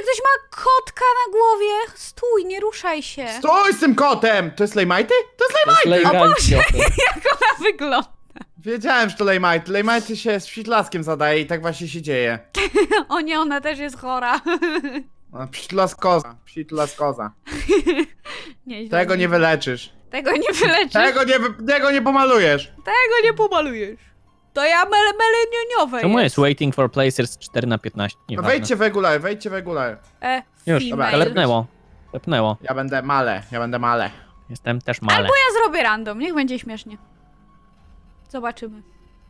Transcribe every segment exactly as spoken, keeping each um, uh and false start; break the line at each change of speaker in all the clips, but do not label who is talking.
ktoś ma kotka na głowie. Stój, nie ruszaj się.
Stój z tym kotem! To jest Lejmajty? To jest
To jest
Lejmajty!
Lejmajty.
Jak ona wygląda?
Wiedziałem, że to Lejmajty. Lejmajty się z pszitlaskiem zadaje i tak właśnie się dzieje.
O nie, ona też jest chora.
No, pszitlaskoza. Pszitlaskoza.
Nieźle.
Tego nie wyleczysz.
Tego nie wyleczysz.
Tego nie, wy- tego nie pomalujesz.
Tego nie pomalujesz. To ja mele melenioniowe
Czemu
jest.
jest waiting for placers cztery na piętnaście?
No
Nieważne.
wejdźcie w regular, wejdźcie w regular.
E,
Już,
female.
Telepnęło. Telepnęło.
Ja będę male, ja będę male.
Jestem też male.
Albo ja zrobię random, niech będzie śmiesznie. Zobaczymy.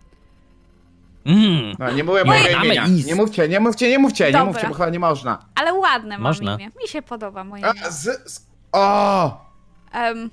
Mm.
No, nie mówię
No i
mojego
mamy
imienia.
is.
Nie mówcie, nie mówcie, nie mówcie, nie
Dobra.
mówcie, bo chyba nie można.
Ale ładne mam
Można.
imię. Mi się podoba moje
A,
imię.
z, z, o!
Um,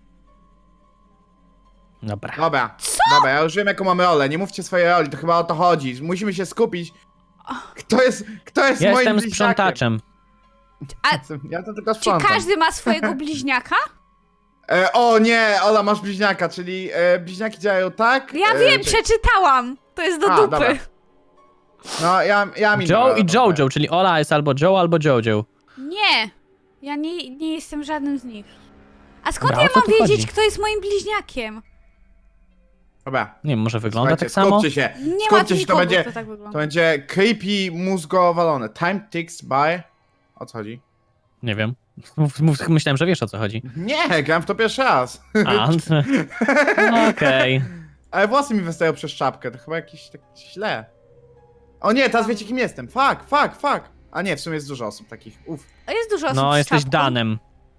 Dobra.
Dobra, dobra, ja już wiem jaką mamy rolę, nie mówcie swojej roli, to chyba o to chodzi. Musimy się skupić. Kto jest, kto jest moim
Jestem
bliźniakiem?
sprzątaczem.
a
Ja to tylko
czy
sprzątam.
każdy ma swojego bliźniaka?
E, o nie, Ola, masz bliźniaka, czyli e, bliźniaki działają tak?
Ja
e,
wiem,
czy-
przeczytałam. To jest do
A,
dupy.
dobra. No, ja, ja mi
Joe i Jojo, czyli Ola jest albo Joe, albo Jojo.
Nie. Ja nie, nie jestem żadnym z nich. A skąd
Dobra,
ja
o co
mam
tu
wiedzieć,
chodzi?
kto jest moim bliźniakiem?
Dobra,
Nie wiem, może wygląda
słuchajcie,
tak samo?
skupcie się,
Nie ma
skupcie
tu
się, to
nikogo,
będzie,
kto tak
to
wygląda.
będzie creepy, mózgo walone. Time ticks by... O co chodzi?
Nie wiem. Mów- mów- Myślałem, że wiesz o co chodzi.
Nie, grałem w to pierwszy raz.
A, no okej.
Ale włosy mi wystają przez czapkę, to chyba jakieś tak źle. O nie, teraz wiecie kim jestem. Fuck, fuck, fuck. A nie, w sumie jest dużo osób takich. Uff.
A jest dużo osób
No,
z
jesteś
czapką.
Danem.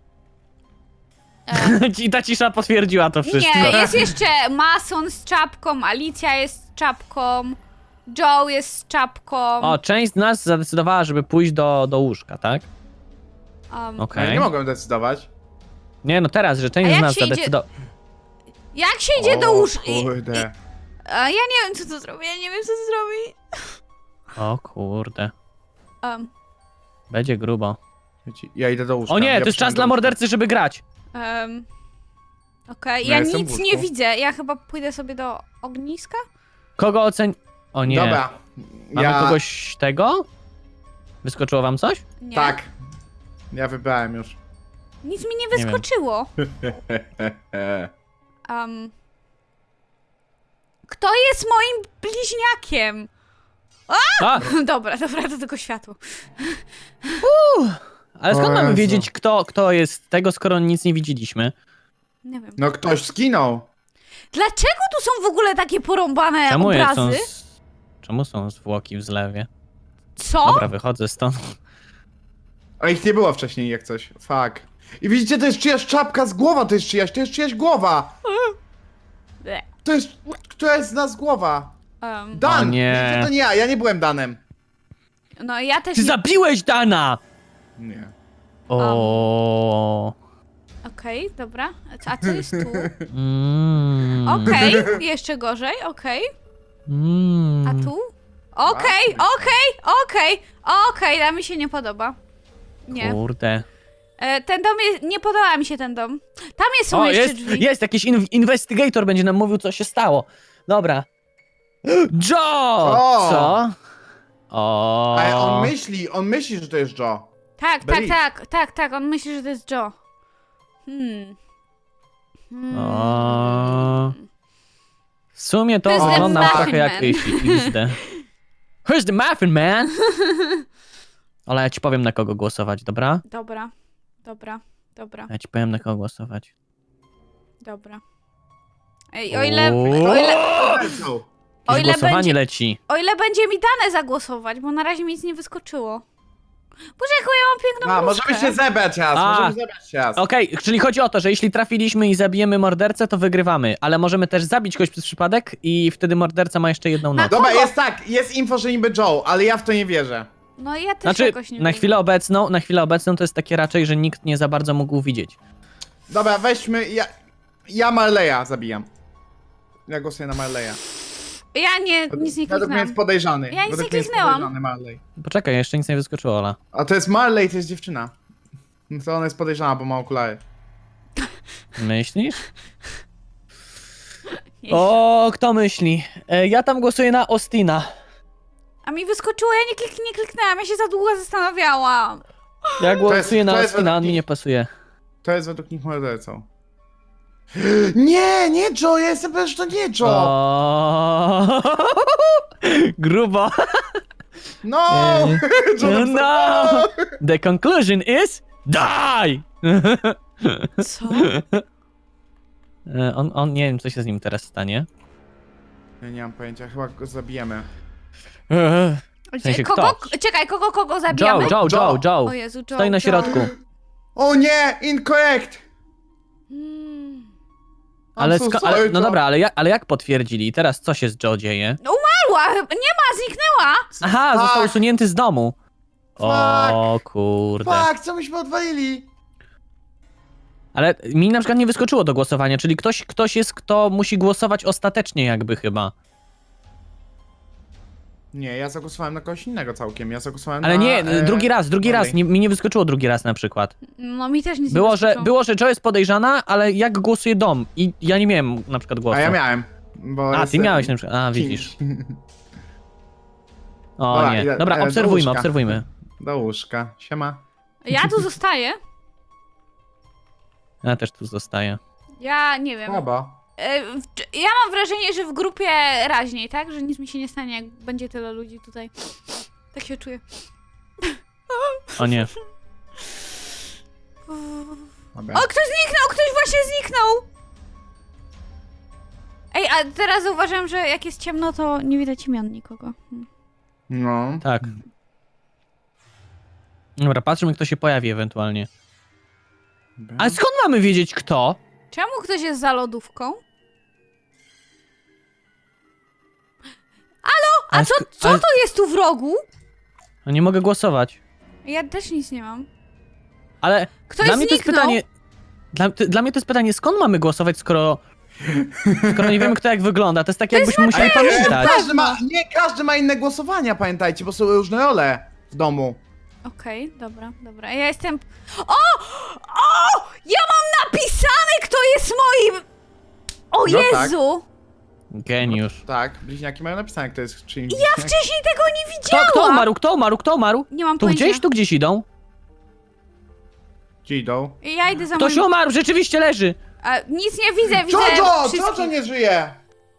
E,
I ta cisza potwierdziła to wszystko.
nie, jest jeszcze Mason z czapką, Alicja jest z czapką, Joe jest z czapką.
O, część z nas zadecydowała, żeby pójść do, do łóżka, tak?
Um,
No,
Okej.
ja nie mogłem decydować.
Nie, no teraz, że
A
część z
jak
nas
się idzie-
zadecydowała.
Jak się idzie do
O,
łóżka?
Kurde.
A ja nie wiem, co to zrobi, ja nie wiem, co to zrobi.
O kurde.
Um,
Będzie grubo.
Wiecie, ja idę do łóżka.
O nie,
ja
to jest czas
przyjdę
dla
do
mordercy, żeby grać.
um, Okej,
No
ja
ja jestem w
nic
łóżku.
nie widzę, ja chyba pójdę sobie do ogniska?
Kogo ocen... O nie.
Dobra.
Mamy
Ja...
kogoś tego? Wyskoczyło wam coś?
Nie.
Tak. Ja wybrałem już.
Nic mi nie
Nie wiem.
wyskoczyło. Um, kto jest moim bliźniakiem?
A!
Dobra, dobra, to tylko światło.
Ale skąd
O
mamy
Jezu.
wiedzieć, kto, kto jest tego, skoro nic nie widzieliśmy?
Nie wiem.
No ktoś skinął.
Dlaczego tu są w ogóle takie porąbane
Czemu jest
obrazy?
są z... Czemu są zwłoki w zlewie?
Co?
Dobra, wychodzę stąd.
A ich nie było wcześniej jak coś. Fuck. I widzicie, to jest czyjaś czapka z głowa, to jest czyjaś, to jest czyjaś głowa.
Ble.
To jest, która jest z nas głowa.
Um,
Dan!
O nie.
Widzicie, to nie ja, ja nie byłem Danem.
no ja też
Ty
nie...
zabiłeś Dana!
Nie.
O.
Okej, dobra. A co jest tu?
Mm.
Okej, jeszcze gorzej, okej.
Mm.
A tu? Okej, okej, okej, okej, to mi się nie podoba. Nie.
Kurde.
E, ten dom jest... Nie podoba mi się ten dom. Tam jest, są
O,
jeszcze
jest,
drzwi.
jest jakiś in investigator, będzie nam mówił, co się stało. Dobra. Joe!
O!
Co? O.
Ale on myśli, on myśli, że to jest Joe.
Tak, tak,
Byli.
tak, tak, tak, on myśli, że to jest Joe. Hmm. Hmm.
O. W sumie to
Who's the
wygląda
muffin
trochę jak
man?
X D. Who's the muffin man? Ale ja ci powiem, na kogo głosować, dobra?
Dobra, dobra, dobra,
Ja ci powiem, na kogo głosować.
dobra. Ej, o ile,
O!
o ile,
Joe.
o
Jakieś
ile,
głosowanie
będzie,
leci.
o ile będzie mi dane zagłosować, bo na razie mi nic nie wyskoczyło. Boże, jaką ja mam piękną
A,
bluzkę.
możemy się zebrać raz,
A.
możemy zebrać się raz.
Okej, czyli chodzi o to, że jeśli trafiliśmy i zabijemy mordercę, to wygrywamy, ale możemy też zabić kogoś przez przypadek i wtedy morderca ma jeszcze jedną
Na
noc.
Dobra,
kogo?
jest tak, jest info, że niby Joe, ale ja w to nie wierzę.
No ja też
Znaczy,
jakoś nie
na
wiem.
chwilę obecną, na chwilę obecną to jest takie raczej, że nikt nie za bardzo mógł widzieć.
Dobra, weźmy, ja, ja Marleya zabijam. Ja głosuję na Marleya.
Ja nie, nic nie
Według mnie
kliknęłam.
jest podejrzany.
Ja nic
Według
nie
mnie jest
kliknęłam.
podejrzany Marley.
Poczekaj, jeszcze nic nie wyskoczyło, Ola.
A to jest Marley, to jest dziewczyna. No to ona jest podejrzana, bo ma okulary.
Myślisz?
Nie.
O, kto myśli? E, ja tam głosuję na Ostina.
A mi wyskoczyło, ja nie, klik, nie kliknęłam, ja się za długo zastanawiałam.
Ja głosuję
jest-
na
to jest
Ostina, on
według
mi
nich-
nie pasuje.
To jest według nich mordercą. Nie, nie Joe, ja jestem pewien, że to nie Joe.
O... Grubo.
No!
Eee.
Joe
No.
napisał-
The conclusion is die!
Co?
E, on, on, nie wiem, co się z nim teraz stanie.
Ja nie mam pojęcia, chyba go zabijemy.
Eee. W sensie
kogo,
kto?
Czekaj, kogo, kogo
Joe,
zabijamy?
Joe, Joe, Joe.
O Jezu, Joe,
Stoi na
Joe.
środku.
O nie, incorrect!
Mm.
Ale,
I'm so
sko-
sorry,
ale, no
Joe.
dobra, ale jak, ale jak potwierdzili? I teraz co się z Joe dzieje?
Umarła, chyba- nie ma, zniknęła.
Aha,
Fuck.
został usunięty z domu. O kurde.
Fuck, co myśmy odwalili?
Ale mi na przykład nie wyskoczyło do głosowania, czyli ktoś, ktoś jest, kto musi głosować ostatecznie jakby chyba.
Nie, ja zagłosowałem na kogoś innego całkiem, ja zagłosowałem
Ale
na...
nie,
e,
drugi raz, drugi
Marley.
raz, nie, mi nie wyskoczyło drugi raz na przykład.
No mi też nic nie
Było, że,
wyskoczyło.
było, że Joe jest podejrzana, ale jak głosuje dom i ja nie miałem na przykład głosu.
A ja miałem, bo
A, ty
jestem
miałeś na przykład, a widzisz.
kimś.
O
Dobra,
nie,
idę-
dobra,
e, do
obserwujmy,
łóżka.
obserwujmy.
Do łóżka, siema.
Ja tu zostaję.
Ja też tu zostaję.
Ja nie wiem.
Słabo.
E, w- Ja mam wrażenie, że w grupie raźniej, tak? Że nic mi się nie stanie, jak będzie tyle ludzi tutaj. Tak się czuję.
O nie.
Dobra.
O, ktoś zniknął! Ktoś właśnie zniknął! Ej, a teraz zauważyłam, że jak jest ciemno, to nie widać imion nikogo. Hmm.
No.
Tak. Dobra, patrzymy, kto się pojawi ewentualnie.
Dobra.
Ale skąd mamy wiedzieć kto?
Czemu ktoś jest za lodówką? A
Ale
co,
sk-
co
ale-
to jest tu w rogu?
No nie mogę głosować.
Ja też nic nie mam.
Ale
Ktoś
dla mnie to jest
zniknął.
pytanie. Dla, ty, dla mnie to jest pytanie, skąd mamy głosować, skoro. Skoro nie wiemy, kto jak wygląda. To jest takie, jakbyśmy musieli
E,
pamiętać.
każdy ma, nie, każdy ma inne głosowania, pamiętajcie, bo są różne role w domu.
Okej, dobra, dobra. Ja jestem... O! O! Ja mam napisane, kto jest moim... O
No tak.
Jezu!
Geniusz.
Tak, bliźniaki mają napisane, kto jest czyim
Ja
bliźniak.
wcześniej tego nie
Kto,
widziałam!
kto umarł? Kto umarł? Kto umarł?
Nie mam
Tu
pojęcia.
gdzieś? Tu gdzieś idą?
Gdzie idą?
Ja idę za
Ktoś
moim...
umarł, rzeczywiście leży.
A, nic nie widzę, widzę
Jojo!
wszystkich.
Jojo nie żyje!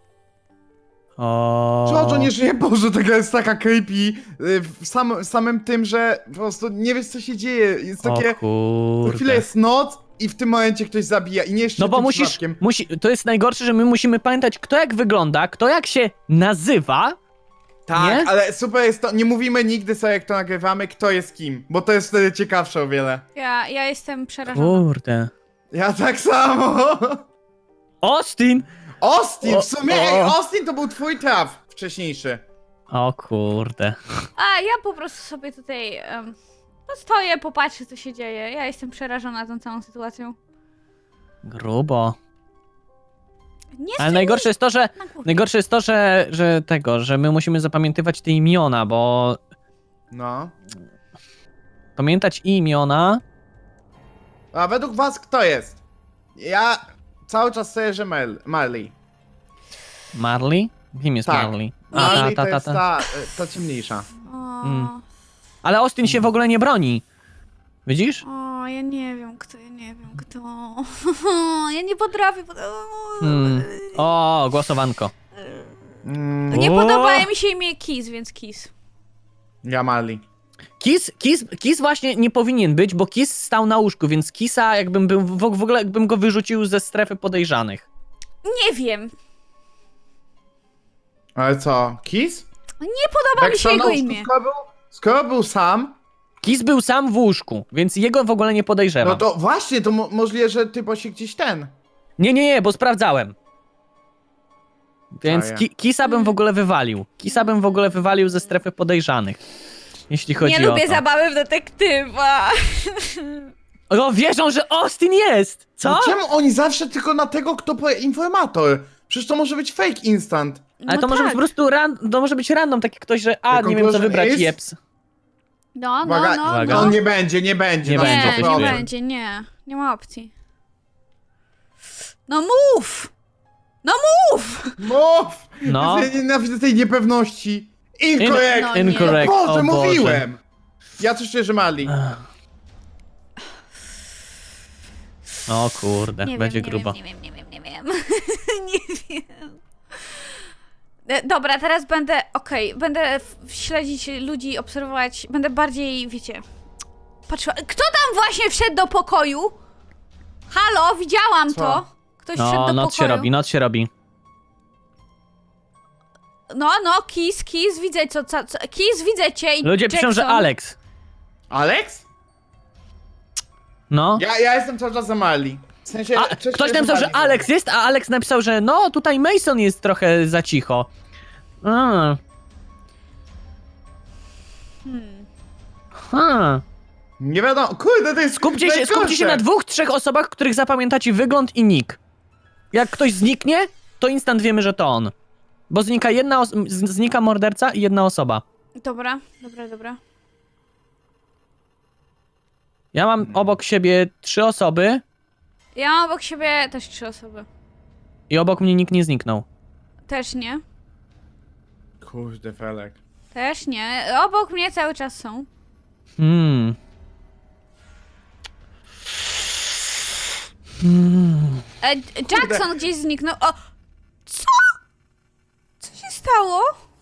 O.
Jojo nie żyje, Boże, taka jest taka creepy. y, W sam, samym tym, że po prostu nie wiesz, co się dzieje. Jest
O
takie... Co
kurde.
chwilę jest noc i w tym momencie ktoś zabija i nie jeszcze
No bo
tym
musisz,
przypadkiem.
musi, to jest najgorsze, że my musimy pamiętać, kto jak wygląda, kto jak się nazywa.
Tak,
nie?
ale super jest to, nie mówimy nigdy sobie, jak to nagrywamy, kto jest kim, bo to jest wtedy ciekawsze o wiele.
Ja, ja jestem przerażona.
Kurde.
Ja tak samo.
Austin!
Austin,
O,
w sumie,
o.
ej, Austin to był twój traf wcześniejszy.
O kurde.
A ja po prostu sobie tutaj um, no stoję, popatrzę, co się dzieje. Ja jestem przerażona tą całą sytuacją.
Grubo.
Nie
Ale
stój
najgorsze jest to, że
na głowie.
najgorsze jest to, że, że tego, że my musimy zapamiętywać te imiona, bo
No.
pamiętać imiona.
A według was kto jest? Ja cały czas stoję, że Mel Marley.
Marley? Kim jest
Tak.
Marley? A,
Marley
ta,
to
ta,
jest
ta.
ta, ta ciemniejsza.
O,
Mm. Ale Austin się w ogóle nie broni. Widzisz?
o, ja nie wiem kto, ja nie wiem kto. Ja nie potrafię. pod-
Hmm. O, głosowanko.
Mm,
Nie
O!
podoba mi się imię Kiss, więc Kiss.
ja Marley.
Kiss, Kiss, Kiss właśnie nie powinien być, bo Kiss stał na łóżku, więc Kissa jakbym był, w, w ogóle jakbym go wyrzucił ze strefy podejrzanych.
Nie wiem.
Ale co, Kiss?
Nie podoba mi się
sam
jego
na łóżku,
imię.
Skoro był, skoro był sam,
Kiss był sam w łóżku, więc jego w ogóle nie podejrzewam.
no to właśnie, to mo możliwe, że typo się gdzieś ten.
Nie, nie, nie, bo sprawdzałem. Więc
Czaję.
ki Kisa bym w ogóle wywalił. Kisa bym w ogóle wywalił ze strefy podejrzanych. Jeśli chodzi
Nie
o
lubię
to.
zabawy w detektywa.
O, wierzą, że Austin jest! Co?
No czemu oni zawsze tylko na tego, kto powie informator? Przecież to może być fake instant.
Ale
No
to może być
tak.
po prostu ran to może być random, taki ktoś, że a,
The
nie wiem co
conclusion
wybrać,
is-
jeps.
No, no,
Uwaga,
no,
uwaga.
no.
No nie będzie, nie będzie.
Nie
na
będzie,
Nie,
coś
nie
czuję.
będzie, nie. Nie ma opcji. No mów! No mów!
Mów!
No.
Ja nienawidzę tej niepewności. Incorrect!
No nie.
Incorrect,
Boże,
o Boże.
mówiłem! Ja coś czuję, że Mali.
O kurde,
Nie
będzie
wiem,
grubo.
Nie wiem, nie wiem, nie wiem, nie wiem. nie wiem. E, Dobra, teraz będę, okej, będę f- śledzić ludzi, obserwować, będę bardziej, wiecie, patrzyła. Kto tam właśnie wszedł do pokoju? Halo, widziałam
Co?
to. Ktoś wszedł
No,
do
noc
pokoju.
się robi, noc się robi.
No, no, Kiss, Kiss, widzę co, co, co Kiss, widzę cię i
Ludzie piszą, że
Jackson.
Alex.
Alex?
No.
Ja, ja jestem cały czas za Mali. W sensie,
A,
coś
ktoś
czuję,
napisał, że
Mali
Alex jest, a Alex napisał, że no, tutaj Mason jest trochę za cicho. A,
Hmm.
ha.
Nie wiadomo, kurde, to jest
Skupcie się,
najgorsze.
skupcie się na dwóch, trzech osobach, których zapamiętacie wygląd i nick. Jak ktoś zniknie, to instant wiemy, że to on. Bo znika jedna os- z- znika morderca i jedna osoba.
Dobra, dobra, dobra.
Ja mam obok siebie trzy osoby
Ja mam obok siebie też trzy osoby.
i obok mnie nikt nie zniknął.
Też nie.
Kurde, Felek.
Też nie. Obok mnie cały czas są.
Hmm. Hmm.
E, Jackson gdzieś zniknął. O! Co? Co się stało?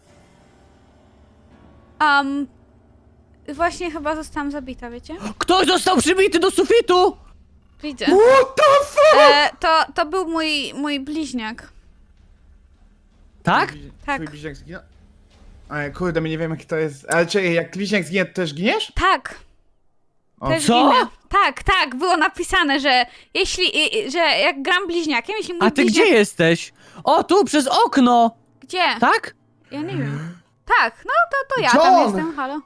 Um. Właśnie chyba zostałam zabita, wiecie?
Ktoś został przybity do sufitu!
Widzę.
What the fuck?
E, to, to był mój, mój bliźniak.
Tak?
Twój-
Tak.
Twój bliźniak zginął? Ej, kurde, my nie wiemy, jaki to jest. Ale czy jak bliźniak zginie, to też giniesz?
Tak.
O,
Też
co?
ginę. Tak, tak, było napisane, że jeśli, i- i- że jak gram bliźniakiem, jeśli mój
A ty
bliźniak...
gdzie jesteś? O, tu, przez okno!
Gdzie?
Tak?
Ja nie wiem. Tak, no to, to ja tam
John!
jestem, halo.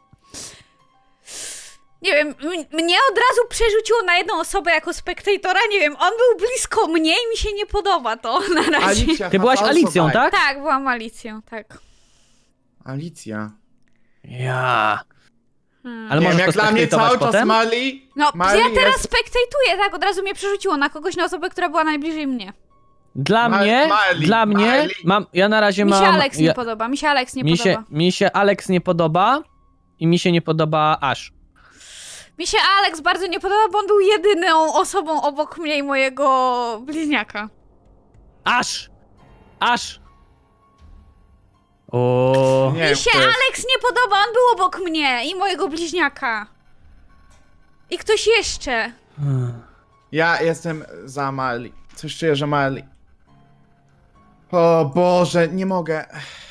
Nie wiem, m- mnie od razu przerzuciło na jedną osobę jako spektatora, nie wiem, on był blisko mnie i mi się nie podoba to na razie.
Alicja
Ty
has
byłaś
also
Alicją,
died.
tak?
Tak, byłam Alicją, tak.
Alicja.
Ja.
Hmm.
Ale
Nie wiem,
możesz
jak
to
dla mnie
spektatować
cały czas
potem?
Mali...
No,
Mali
ja teraz
jest...
spektatuję, tak, od razu mnie przerzuciło na kogoś, na osobę, która była najbliżej mnie.
Dla
Ma-
mnie,
Mali,
dla mnie,
Mali.
mam, ja na razie
Mi się
mam...
Alex nie
ja,
podoba, mi się Alex nie
mi,
podoba.
się, mi się Alex nie podoba i mi się nie podoba Ash.
Mi się Alex bardzo nie podoba, bo on był jedyną osobą obok mnie i mojego bliźniaka.
Ash! Ash! O.
Nie
Mi
wiem,
się
kto jest.
Alex nie podoba, on był obok mnie i mojego bliźniaka. I ktoś jeszcze.
Ja jestem za Mali. Coś czuję, że Mali. O Boże, nie mogę.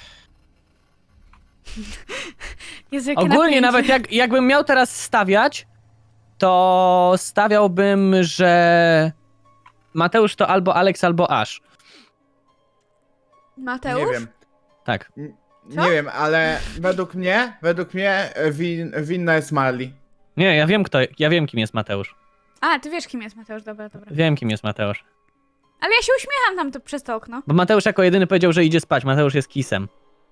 Jezu, jakie
Ogólnie
napięcie.
nawet jak, jakbym miał teraz stawiać, to stawiałbym, że Mateusz to albo Alex, albo Ash.
Mateusz?
Nie wiem.
Tak.
Co?
Nie wiem, ale według mnie, według mnie e, win, winna jest Mali.
Nie, ja wiem kto, ja wiem kim jest Mateusz.
A, ty wiesz kim jest Mateusz, dobra, dobra.
Wiem kim jest Mateusz.
Ale ja się uśmiecham tam to, przez to okno.
Bo Mateusz jako jedyny powiedział, że idzie spać. Mateusz jest kisem.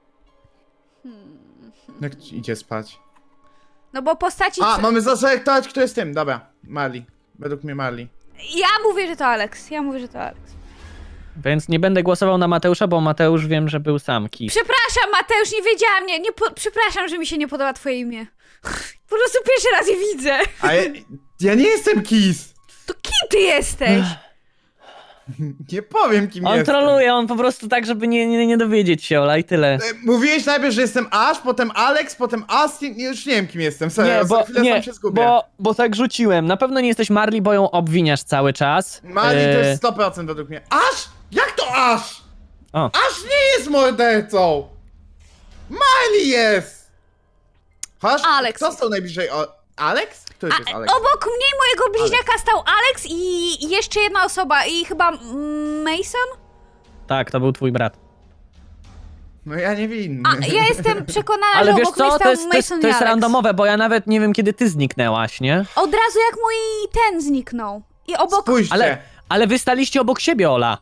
Jak ci idzie spać?
No bo postaci...
A, mamy zaselektować, kto jest tym. Dobra, Mali. Według mnie Mali.
Ja mówię, że to Alex, ja mówię, że to Alex.
Więc nie będę głosował na Mateusza, bo Mateusz wiem, że był sam kis.
Przepraszam, Mateusz, nie wiedziałam, nie, nie po... przepraszam, że mi się nie podoba twoje imię. Po prostu pierwszy raz je widzę.
A ja, ja nie jestem Kiss!
To kim ty jesteś?
Nie powiem, kim
On
jestem.
troluje, on po prostu tak, żeby nie, nie, nie dowiedzieć się, Ola, i tyle.
E, Mówiłeś najpierw, że jestem Ash, potem Alex, potem Astin. Już nie wiem, kim jestem. Serio,
Nie,
za
bo,
chwilę
nie,
sam się zgubię.
bo, bo tak rzuciłem. Na pewno nie jesteś Marley, bo ją obwiniasz cały czas.
Mali
E,
to jest sto procent według mnie. Ash? Jak to Ash?
O.
Ash nie jest mordercą! Mali jest! Ash?
Alex.
Kto stał najbliżej? O... Alex? Kto jest
A,
Alex?
obok mnie i mojego bliźniaka stał Alex i jeszcze jedna osoba i chyba mm, Mason?
Tak, to był twój brat.
No ja nie winny.
A, ja jestem przekonana,
Ale
że
wiesz
obok mnie
co,
stał
to jest, to jest,
Mason
to jest
i Alex.
randomowe, bo ja nawet nie wiem, kiedy ty zniknęłaś, nie?
Od razu jak mój ten zniknął. I obok...
Spójrzcie.
Ale, ale wy staliście obok siebie, Ola.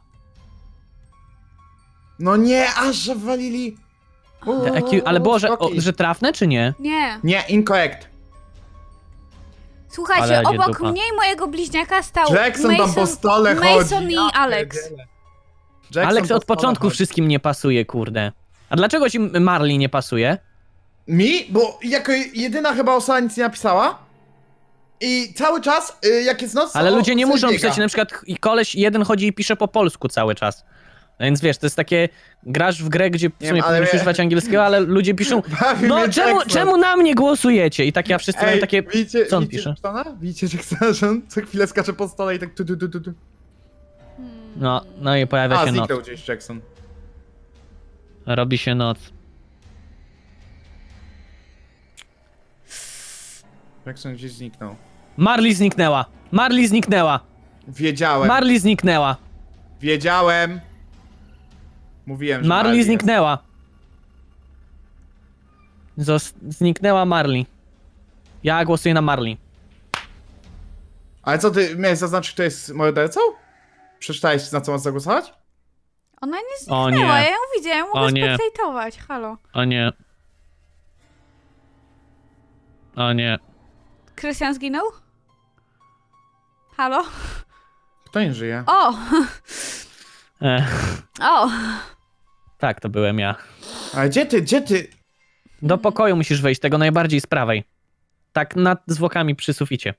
No nie, aż że walili. Uuu,
Taki, ale było, że, o,
skoki.
że trafne, czy nie?
Nie.
Nie, incorrect.
Słuchajcie,
Ale będzie
obok
dupa.
mnie i mojego bliźniaka stał
Jackson
Mason,
tam po stole
Mason
chodzi.
i Alex.
Jackson
Alex
po
od
stole
początku
chodzi.
wszystkim nie pasuje, kurde. A dlaczego ci Marley nie pasuje?
Mi? Bo jako jedyna chyba osoba nic nie napisała. I cały czas, y, jak jest noc,
Ale
to
ludzie nie
sobie
muszą
biega.
pisać, na przykład i koleś jeden chodzi i pisze po polsku cały czas. Więc wiesz, to jest takie, grasz w grę, gdzie w
Nie
sumie
wiem, ale
powinieneś
mnie-
używać angielskiego, ale ludzie piszą,
Bawi
no
mnie
czemu,
Jackson.
czemu na mnie głosujecie? I tak ja wszyscy mają
Ej,
takie,
widzicie,
co on
widzicie
pisze?
Jacksona? Widzicie Jacksona, że on co chwilę skacze po stole i tak tu tu tu tu tu.
No, no i pojawia
A,
się noc.
zniknął gdzieś Jackson.
Robi się noc.
Jackson gdzieś zniknął.
Marley zniknęła! Marley zniknęła!
Wiedziałem,
Marley zniknęła!
wiedziałem. Mówiłem, że
Marley
jest.
zniknęła! Zos zniknęła Marley. Ja głosuję na Marley.
Ale co, ty miałeś zaznaczyć, kto jest mordercą? Przeczytałeś, na co masz zagłosować?
Ona nie
O
zniknęła,
nie.
ja ją widzę, ja ją mogę
O nie.
spektatować, halo.
O nie. O nie.
Krystian zginął? Halo?
Kto nie żyje?
O!
Ech,
O!
tak, to byłem ja.
Ale gdzie ty, gdzie ty?
Do pokoju musisz wejść, tego najbardziej z prawej. Tak nad zwłokami przy suficie.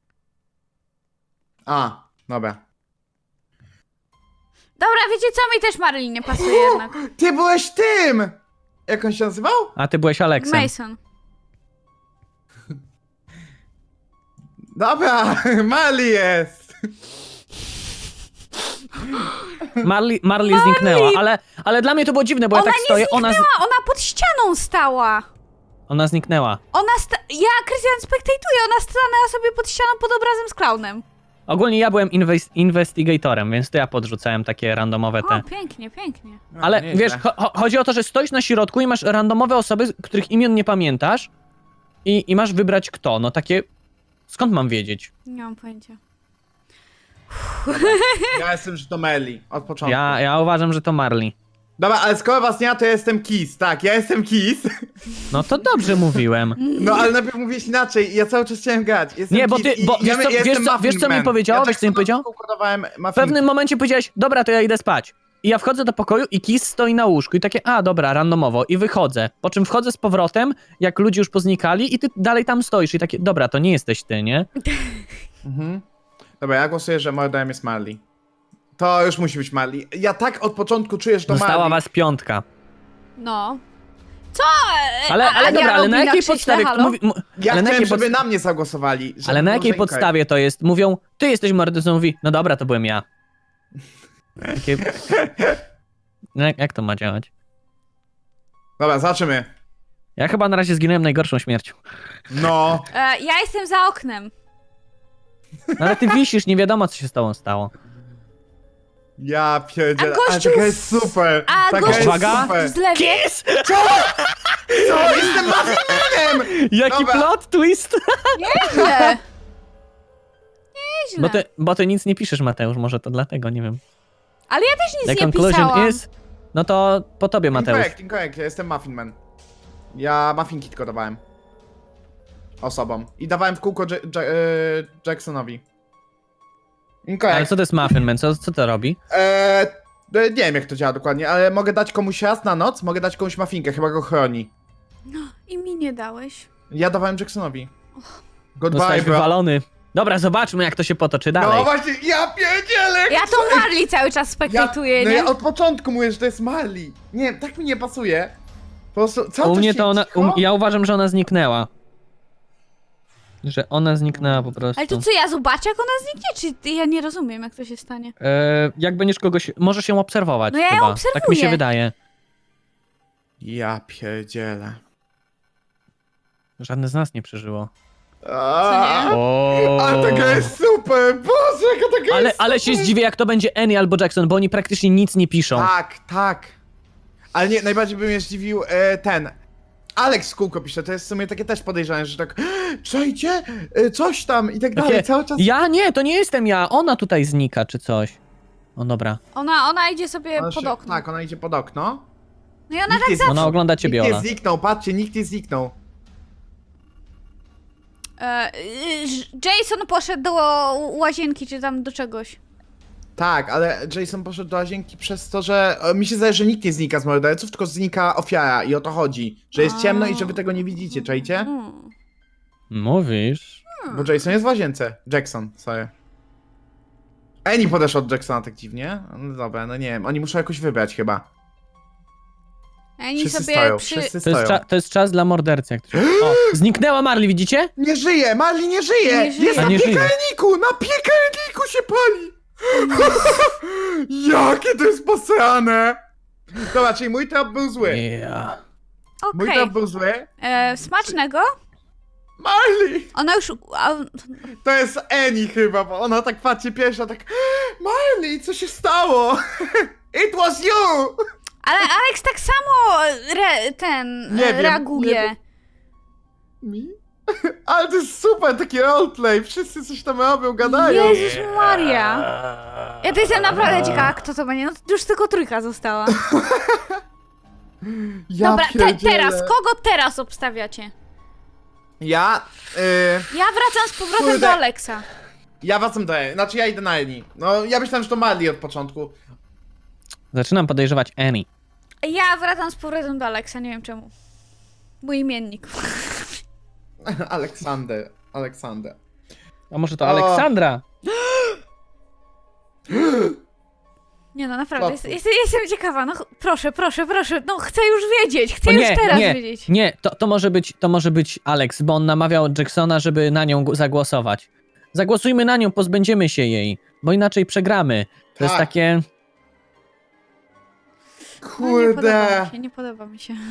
A, dobra.
Dobra, wiecie co? Mi też Marilyn nie pasuje jednak.
Ty byłeś tym! Jak on się nazywał?
A ty byłeś Aleksem.
Mason.
Dobra, Mali jest!
Marley, Marley zniknęła, ale, ale dla mnie to było dziwne, bo
Ona
ja tak
nie
stoję, ona, z,
zniknęła, ona pod ścianą stała.
ona zniknęła.
Ona sta... Ja, Krystian, spektatuję, ona stanęła sobie pod ścianą pod obrazem z klaunem.
Ogólnie ja byłem inwes- investigatorem, więc to ja podrzucałem takie randomowe te.
O, pięknie, pięknie.
No,
Ale
nieźle.
wiesz, cho- cho- chodzi o to, że stoisz na środku i masz randomowe osoby, których imion nie pamiętasz i, i masz wybrać kto. No takie, skąd mam wiedzieć?
Nie mam pojęcia.
Ja jestem, że to Meli, od początku.
Ja, ja uważam, że to Marley.
Dobra, ale skoro was nie ma, to ja jestem Kiss. Tak, ja jestem Kiss.
No to dobrze mówiłem.
No ale najpierw mówiłeś inaczej i ja cały czas chciałem grać. Jestem
Nie, bo
Kiss
ty-
i
bo
ja,
wiesz co-
ja
wiesz
jestem
co-
Muffin
wiesz co mi
Man.
powiedziało?
Ja
Wiesz co mi powiedział?
Kodowałem
W pewnym momencie powiedziałeś, dobra, to ja idę spać. I ja wchodzę do pokoju i Kiss stoi na łóżku i takie, a dobra, randomowo i wychodzę. Po czym wchodzę z powrotem, jak ludzie już poznikali i ty dalej tam stoisz i takie, dobra, to nie jesteś ty, nie?
Mhm. Dobra, ja głosuję, że morderem jest Marley. To już musi być Marley. Ja tak od początku czuję, że to
Została
Marley.
was piątka.
No. Co? E,
Ale,
a-
ale
Ania
dobra, ale
robi
na jakiej
krzyśle,
podstawie...
halo?
Mówi, mu,
Ja
ale na
chciałem,
jakiej,
żeby
podst-
na mnie zagłosowali. żeby
ale na
było,
jakiej
że inkorrekt.
podstawie to jest? Mówią, ty jesteś mordercą, mówi, no dobra, to byłem ja. Takie... No, jak, jak to ma działać?
Dobra, zobaczymy.
Ja chyba na razie zginąłem najgorszą śmiercią.
No.
E, ja jestem za oknem.
No ale ty wisisz, nie wiadomo co się z tobą stało.
Ja pierdzielę.
A
Ale
gościu
taka
w-
jest super.
A
taka
gościu
jest
Uwaga.
super.
w zlewie.
Kiss!
Co? Jestem Muffin Manem!
Jaki
Dobra.
plot twist!
Nieźle. Nieźle.
Bo ty, bo ty nic nie piszesz, Mateusz, może to dlatego, nie wiem.
Ale ja też nic
The
nie
conclusion
pisałam.
is... No to po tobie, Mateusz.
Incorrect, incorrect. Ja jestem Muffin Man. Ja Muffinki tylko dawałem. Osobom. I dawałem w kółko J- J- y, Jacksonowi.
Ale
Incorrect.
co to jest Muffin Man? Co, co to robi?
Eee, nie wiem jak to działa dokładnie, ale mogę dać komuś raz na noc, mogę dać komuś muffinkę, chyba go chroni.
I mi nie dałeś.
Ja dawałem Jacksonowi. Goodbye,
Zostałeś
bro.
wywalony. Dobra, zobaczmy jak to się potoczy dalej.
No właśnie, ja pierdzielę!
Ja tą Marley cały czas
ja,
spektatuję,
no
nie?
ja od początku mówię, że to jest Marley. Nie, tak mi nie pasuje. Po prostu, cały
U
czas
mnie
się
to ona...
cicho.
U, ja uważam, że ona zniknęła. Że ona zniknęła po prostu.
Ale to co, ja zobaczę jak ona zniknie, czy ja nie rozumiem jak to się stanie?
E, jak będziesz kogoś... Możesz ją obserwować
No ja ją
chyba.
obserwuję.
Tak mi się wydaje.
Ja pierdzielę.
Żadne z nas nie przeżyło.
Aaaa,
nie?
O.
ale taka jest super! Boże, jaka taka
Ale,
jest
ale się
super.
zdziwię jak to będzie Annie albo Jackson, bo oni praktycznie nic nie piszą.
Tak, tak. Ale nie, najbardziej by mnie zdziwił e, ten. Alex z kółko pisze, to jest w sumie takie też podejrzane, że tak przejdzie, e, coś tam i tak dalej,
Takie,
cały czas.
Ja nie, to nie jestem ja, ona tutaj znika czy coś. O dobra,
Ona, ona idzie sobie
Ona
pod
się-
okno.
Tak, ona idzie pod okno.
No i ona
Nikt
tak
nie
zawsze...
ona ogląda ciebie,
Nikt nie
Ola.
zniknął, patrzcie, nikt nie zniknął.
E, y, Jason poszedł do łazienki, czy tam do czegoś.
Tak, ale Jason poszedł do łazienki przez to, że e, mi się zdaje, że nikt nie znika z morderców, tylko znika ofiara i o to chodzi. Że jest ciemno i że wy tego nie widzicie, czajcie?
Hmm.
Mówisz?
Bo Jason jest w łazience. Jackson, sorry. Annie podeszła od Jacksona tak dziwnie. No dobra, no nie wiem, oni muszą jakoś wybrać chyba.
Oni
Wszyscy
sobie
stoją,
przy...
wszyscy
To jest,
stoją.
cza- to jest czas dla mordercy. Jak to się... O, zniknęła Marley, widzicie?
Nie żyje, Marley nie żyje!
Nie żyje.
Jest
A
na
nie żyje.
piekarniku! Na piekarniku się pali! Jakie to jest posrane! Dobra, czyli mój trap był zły.
Yeah.
Mój
Okej.
trap był zły.
E, Smacznego?
Marley!
Ona już... A,
To jest Annie chyba, bo ona tak patrzy pierwsza, tak Marley, co się stało? It was you!
ale Alex tak samo re, ten
Nie
e,
wiem,
reaguje.
nie Mi? Ale to jest super, taki roleplay, wszyscy coś tam robią, gadają.
Jezus Maria. Ja to jestem naprawdę ciekawa, kto to będzie. No już tylko trójka została.
Ja
Dobra, te,
pierdzielę.
teraz, kogo teraz obstawiacie?
Ja, y,
Ja wracam z powrotem
Kurde.
do Alexa.
ja wracam do Annie, znaczy ja idę na Annie. No, ja myślałem, że to Marley od początku.
Zaczynam podejrzewać Annie.
Ja wracam z powrotem do Alexa, nie wiem czemu. Mój imiennik.
Aleksander, Aleksander.
A może to
O.
Aleksandra?
Nie no, naprawdę,
Łatwo.
jest, jest, jestem ciekawa, no ch- proszę, proszę, proszę, no chcę już wiedzieć, chcę
O
już
nie,
teraz
nie,
wiedzieć.
nie, to, to, może być, to może być Alex, bo on namawiał Jacksona, żeby na nią gu- zagłosować. Zagłosujmy na nią, pozbędziemy się jej, bo inaczej przegramy. To jest
Tak.
takie...
No, nie podoba
Kurde.
mi się, nie podoba mi się.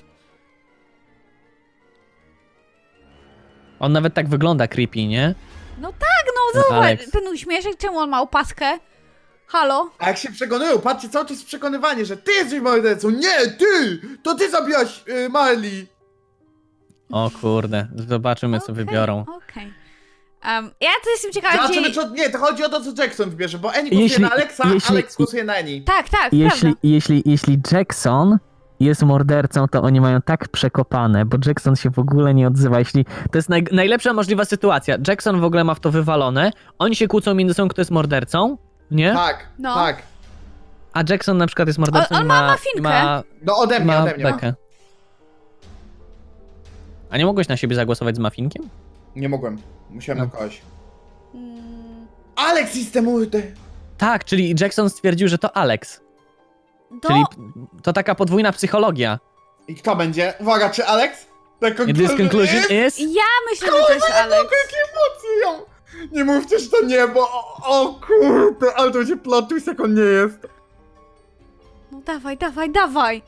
On nawet tak wygląda creepy, nie?
No tak, no zobacz,
Alex.
ten uśmieszek, czemu on ma opaskę? Halo?
A jak się przekonują, patrzcie, cały czas przekonywanie, że ty jesteś mordercą, nie, ty! To ty zabiłaś y, Marley!
O kurde, zobaczymy co
Okej,
wybiorą.
Okej. Em, ja to jestem ciekawa,
Zobaczymy,
gdzie...
co, nie, to chodzi o to, co Jackson wybierze, bo Annie głosuje
Jeśli-
na Alexa,
jeśli-
Alex głosuje na Annie.
Tak, tak,
Jeśli,
prawda.
jeśli, jeśli Jackson jest mordercą, to oni mają tak przekopane, bo Jackson się w ogóle nie odzywa. Jeśli to jest naj, najlepsza możliwa sytuacja. Jackson w ogóle ma w to wywalone, oni się kłócą między sobą, kto jest mordercą, nie?
Tak,
No.
tak.
A Jackson na przykład jest mordercą
On- on
i
ma
ma,
mafinkę.
i ma,
No ode
i
mnie,
ma
ode mnie.
bekę. A nie mogłeś na siebie zagłosować z mafinkiem?
Nie mogłem, musiałem
No.
na kogoś.
Mm,
Alex jest the murder!
Tak, czyli Jackson stwierdził, że to Alex.
Do...
Czyli to taka podwójna psychologia.
I kto będzie? Uwaga, czy Alex? The
And this
conclusion
conclusion
is...
is...
Ja myślę, że to jest Alex.
Jakie emocje! Nie mówcie, że to nie, bo o, o kurde, ale to będzie plot twist, jak on nie jest.
No dawaj, dawaj, dawaj.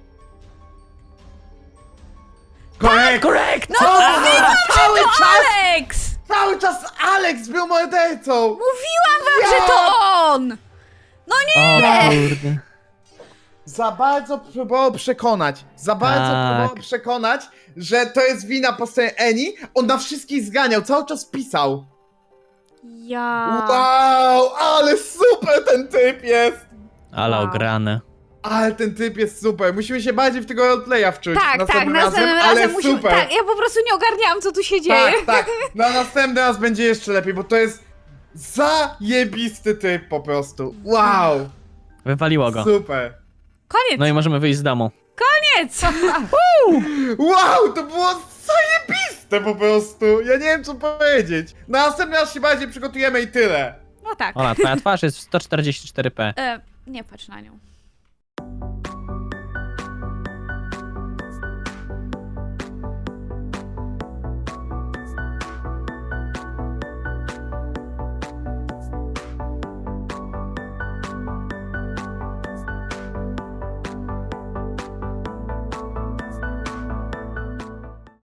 Korekt!
Korekt!
No, cały czas,
Alex!
cały czas Alex był mordercą!
Mówiłam wam,
Ja!
że to on! No nie!
O kurde.
Za bardzo próbował przekonać, za bardzo
Tak.
próbował przekonać, że to jest wina po stronie Annie. On na wszystkich zganiał, cały czas pisał.
Ja...
Wow, ale super ten typ jest!
Ale
Wow.
ograne.
Ale ten typ jest super, musimy się bardziej w tego roleplaya wczuć.
Tak, tak,
następnym
następnym
razem,
razem
ale
musimy...
super.
Tak, ja po prostu nie ogarniałam, co tu się dzieje.
Tak, tak. Na następny raz będzie jeszcze lepiej, bo to jest zajebisty typ po prostu. Wow.
Wywaliło go.
Super.
Koniec,
No i możemy wyjść z domu.
koniec!
Wow, to było zajebiste po prostu. Ja nie wiem co powiedzieć. Na następny raz się bardziej przygotujemy i tyle.
No tak.
Ola, twoja twarz jest w sto czterdzieści cztery p.
E, nie patrz na nią.